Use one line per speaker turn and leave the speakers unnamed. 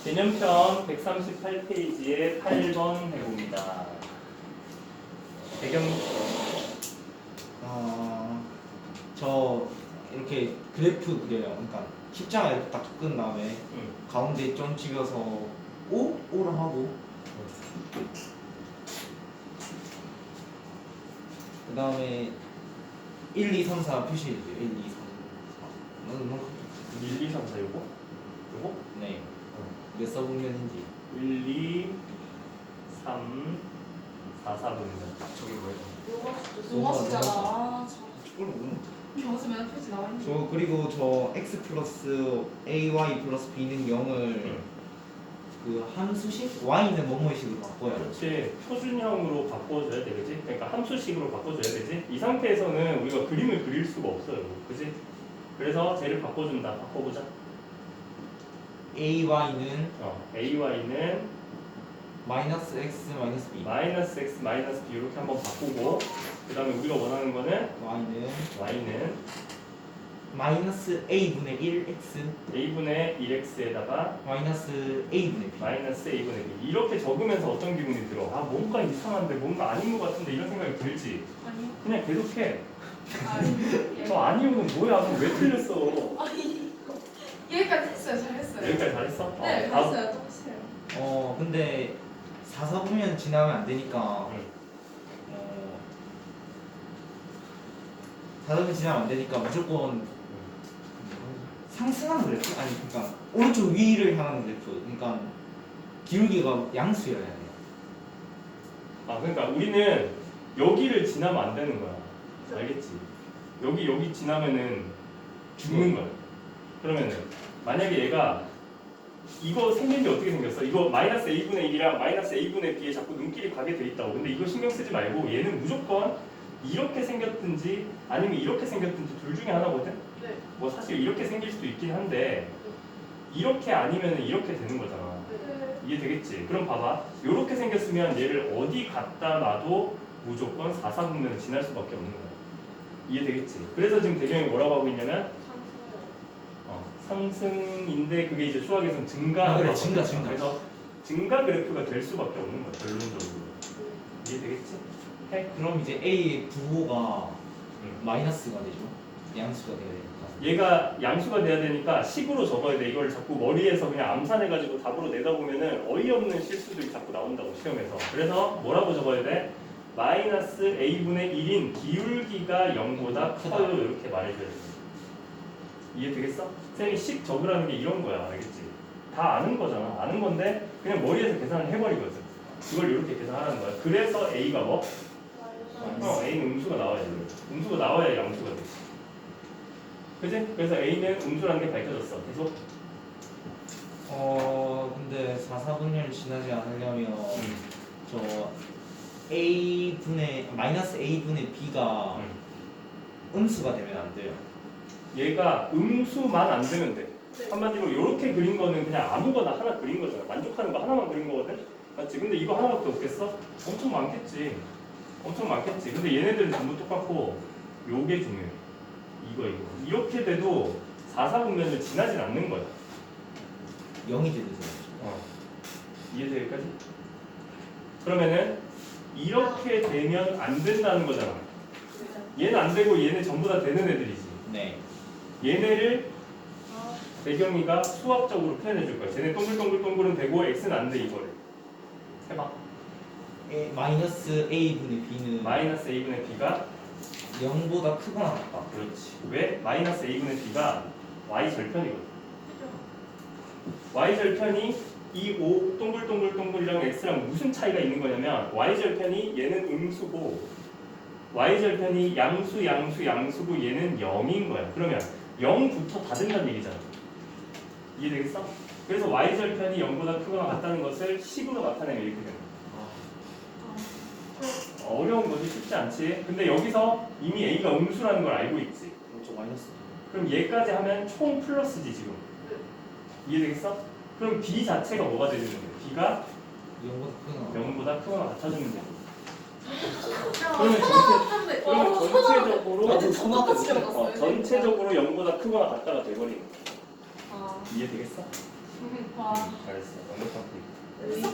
개념편 138페이지에 8번 해봅니다. 배경
저 이렇게 그래프 그려요. 그러니까 십자가 이렇게 딱 끈 다음에 가운데 점 찍어서 O로 하고 그 다음에 1, 2, 3, 4 표시해주세요. 1, 2, 3, 4
1, 2, 3, 4 요거? 요거?
네. 몇 서분면인지
1, 2, 3, 4, 4분면. 저게 뭐예요?
요거 숫자가
저
경수면 표지 나와 있는 거.
그리고 저 x 플러스 ay 플러스 b는 0을 그 함수식 y는 뭐뭐식으로 바꿔요.
그렇지. 표준형으로 바꿔줘야 돼, 그지? 그러니까 함수식으로 바꿔줘야 되지. 이 상태에서는 우리가 그림을 그릴 수가 없어요, 그지? 그래서 쟤를 바꿔준다. 바꿔보자.
ay는
AY는
마이너스 x 마이너스 b
마이너스 X 마이너스 B 이렇게 한번 바꾸고 그 다음에 우리가 원하는 거는 Y는
마이너스 a분의 1x
A분의 1X에다가
마이너스 a분의 b
마이너스 A분의 B 이렇게 적으면서 어떤 기분이 들어? 아 뭔가 이상한데 뭔가 아닌 것 같은데 이런 생각이 들지?
아니요.
그냥 계속해.
아니.
저 아니오는 뭐야? 그럼 왜 틀렸어?
아니. 여기까지 했어요. 잘했어요.
여기까지 잘했어?
네,
다음.
잘했어요. 똑같아요.
근데 4사분면 지나면 안 되니까
응.
4사분면 지나면 안 되니까 무조건 상승하는 그래프? 아니 그러니까 오른쪽 위를 향하는 그래프. 그러니까 기울기가 양수여야 돼요.
아 그러니까 우리는 여기를 지나면 안 되는 거야. 알겠지? 여기 지나면은 죽는 거야. 그러면은 만약에 얘가 이거 생긴 게 어떻게 생겼어? 이거 마이너스 a분의 1이랑 마이너스 a분의 b에 자꾸 눈길이 가게 돼 있다고. 근데 이거 신경 쓰지 말고 얘는 무조건 이렇게 생겼든지 아니면 이렇게 생겼든지 둘 중에 하나거든?
네.
뭐 사실 이렇게 생길 수도 있긴 한데 이렇게 아니면 이렇게 되는 거잖아.
네.
이해되겠지? 그럼 봐봐. 이렇게 생겼으면 얘를 어디 갖다 놔도 무조건 4사분면을 지날 수밖에 없는 거야. 이해되겠지? 그래서 지금 대경이 뭐라고 하고 있냐면 상승인데 그게 이제 수학에서는 증가.
그래, 증가.
그래서 증가 그래프가 될 수밖에 없는 거야. 결론적으로. 이해되겠지? 해?
그럼 이제 a의 부호가 마이너스가 되죠. 양수가 돼야 되니까.
얘가 양수가 돼야 되니까 식으로 적어야 돼. 이걸 자꾸 머리에서 그냥 암산해가지고 답으로 내다 보면은 어이없는 실수들이 자꾸 나온다고 시험에서. 그래서 뭐라고 적어야 돼? 마이너스 a분의 1인 기울기가 0보다 커요. 이렇게 말해줘야 돼. 이해되겠어? 쌤이 식 적으라는 게 이런 거야. 알겠지? 다 아는 거잖아. 아는 건데 그냥 머리에서 계산을 해버리거든. 이걸 이렇게 계산하는 거야. 그래서 a가 뭐? A는 음수가 나와야 돼. 음수가 나와야 양수가 돼. 그지? 그래서 A는 음수라는 게 밝혀졌어. 계속.
근데 4사분면을 지나지 않으려면 저 a분의 마이너스 a분의 b가 음수가 되면 안 돼요.
얘가 음수만 안 되면 돼. 한마디로 이렇게 그린 거는 그냥 아무거나 하나 그린 거잖아. 만족하는 거 하나만 그린 거거든? 맞지? 근데 이거 하나밖에 없겠어? 엄청 많겠지. 엄청 많겠지. 근데 얘네들은 전부 똑같고 요게 중요해. 이거. 이렇게 돼도 4사분면을 지나진 않는 거야.
0이 되죠.
이해돼 여기까지? 그러면은 이렇게 되면 안 된다는 거잖아. 얘는 안 되고 얘는 전부 다 되는 애들이지.
네.
얘네를 배경이가 수학적으로 표현해 줄 거야. 쟤네 동글동글동글은 되고 x는 안 돼. 이거를 해봐.
마이너스 a분의 b는
마이너스 a분의 b가
0보다 크거나 같다.
그렇지. 왜? 마이너스 a분의 b가 y 절편이거든. y 절편이 이 O 동글동글동글이랑 x랑 무슨 차이가 있는 거냐면 y 절편이 얘는 음수고 y 절편이 양수고 얘는 0인 거야. 그러면 0부터 다 된다는 얘기잖아. 이해되겠어? 그래서 y 절편이 0보다 크거나 같다는 것을 식으로 나타내면 이렇게 되는 거야. 어려운 거지. 쉽지 않지. 근데 여기서 이미 a가 음수라는 걸 알고 있지.
그렇죠. 마이너스.
그럼 얘까지 하면 총 플러스지 지금. 이해되겠어? 그럼 b 자체가 뭐가 되는 거야? b가 0보다 크거나 같아지면 돼. 그러면 전체적으로 0보다 크거나 같다가 돼버리는 거야. 이해되겠어?
와.
잘했어. 완벽한 풀기.